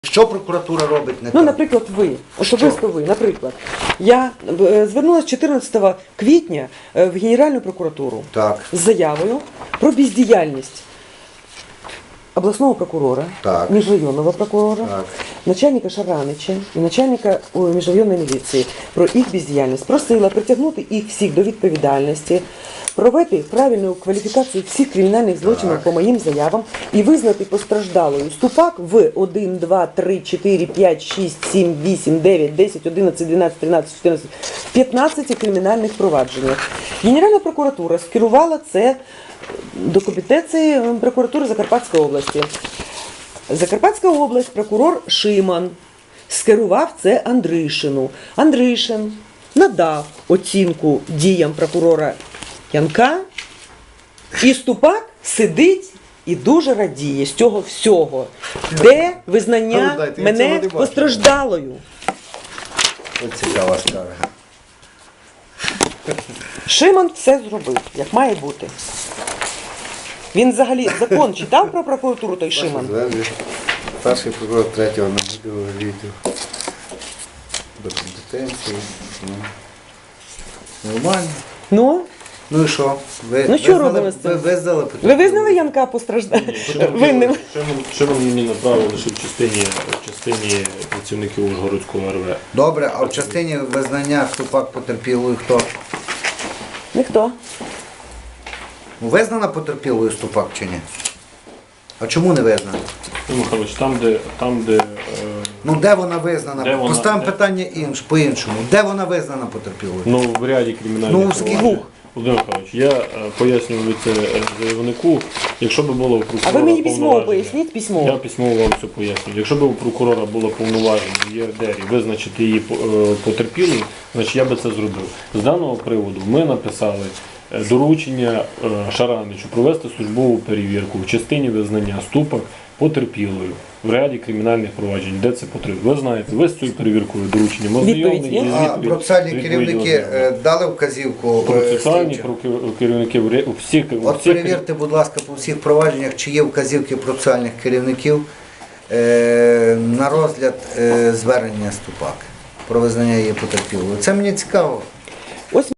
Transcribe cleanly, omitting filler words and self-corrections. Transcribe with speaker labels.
Speaker 1: Що прокуратура робить не
Speaker 2: Ну,
Speaker 1: так?
Speaker 2: наприклад, ви, особисто ви, наприклад, я звернулася 14 квітня в Генеральну прокуратуру
Speaker 1: Так,
Speaker 2: з заявою про бездіяльність обласного прокурора,
Speaker 1: Так.
Speaker 2: міжрайонного прокурора,
Speaker 1: Так.
Speaker 2: начальника Шаранича і начальника міжрайонної міліції про їх бездіяльність. Просила притягнути їх всіх до відповідальності, провести правильну кваліфікацію всіх кримінальних злочинів по моїм заявам і визнати постраждалою Ступак в 1, 2, 3, 4, 5, 6, 7, 8, 9, 10, 11, 12, 13, 14, 15 кримінальних провадженнях. Генеральна прокуратура скерувала це до компетенції прокуратури Закарпатської області. Закарпатська область, прокурор Шиман скерував це Андришину. Андришин надав оцінку діям прокурора Янка, і Ступак сидить і дуже радіє з цього всього. Де визнання мене постраждалою?
Speaker 1: ось цікава скарга.
Speaker 2: Шиман все зробив, як має бути. Він взагалі закон читав про прокуратуру, той Шиман?
Speaker 1: Перший прокурор третього відділу до компетенції. Нормально.
Speaker 2: Ну,
Speaker 1: Ну і що?
Speaker 2: Ну, що робимо з цим?
Speaker 1: Ви визнали
Speaker 2: ви визнали Янка винним?
Speaker 3: Шимон мені направили лише в частині працівників Ужгородського РВ.
Speaker 1: Добре, а в частині визнання Ступак потерпілою хто?
Speaker 2: Ніхто.
Speaker 1: Визнана потерпілою Ступак чи ні? А чому не визнана?
Speaker 3: Михайлович, там, де
Speaker 1: Ну де вона визнана?
Speaker 3: Де вона?
Speaker 1: Поставимо
Speaker 3: Де?
Speaker 1: питання по-іншому. Де вона визнана потерпілою?
Speaker 3: ну, в ряді кримінальних
Speaker 1: Ну, скільки?
Speaker 3: проваджень. Володимир Михайлович, я пояснював це заявнику, якщо б було у прокурора
Speaker 2: А ви мені письмово
Speaker 3: повноваження-
Speaker 2: поясніть,
Speaker 3: Я
Speaker 2: письмово.
Speaker 3: письмово вам все пояснюю. Якщо б у прокурора було повноваження в ЄРДРі визначити її потерпілою, значить я би це зробив. З даного приводу ми написали доручення Шараничу провести службову перевірку в частині визнання Ступак потерпілою в ряді кримінальних проваджень, де це потрібно. Ви знаєте, ви з цією перевіркою дорученням ознайомлені.
Speaker 2: є?
Speaker 3: і
Speaker 1: А
Speaker 3: відповідь-
Speaker 1: процесуальні
Speaker 3: відповідь
Speaker 1: керівники
Speaker 3: ознайомлені.
Speaker 1: дали вказівку
Speaker 3: Процесуальні
Speaker 1: слідчим?
Speaker 3: керівники у всіх
Speaker 1: От перевірте, будь ласка, по всіх провадженнях, чи є вказівки процесуальних керівників на розгляд звернення Ступак про визнання її потерпілою. Це мені цікаво.
Speaker 2: Ось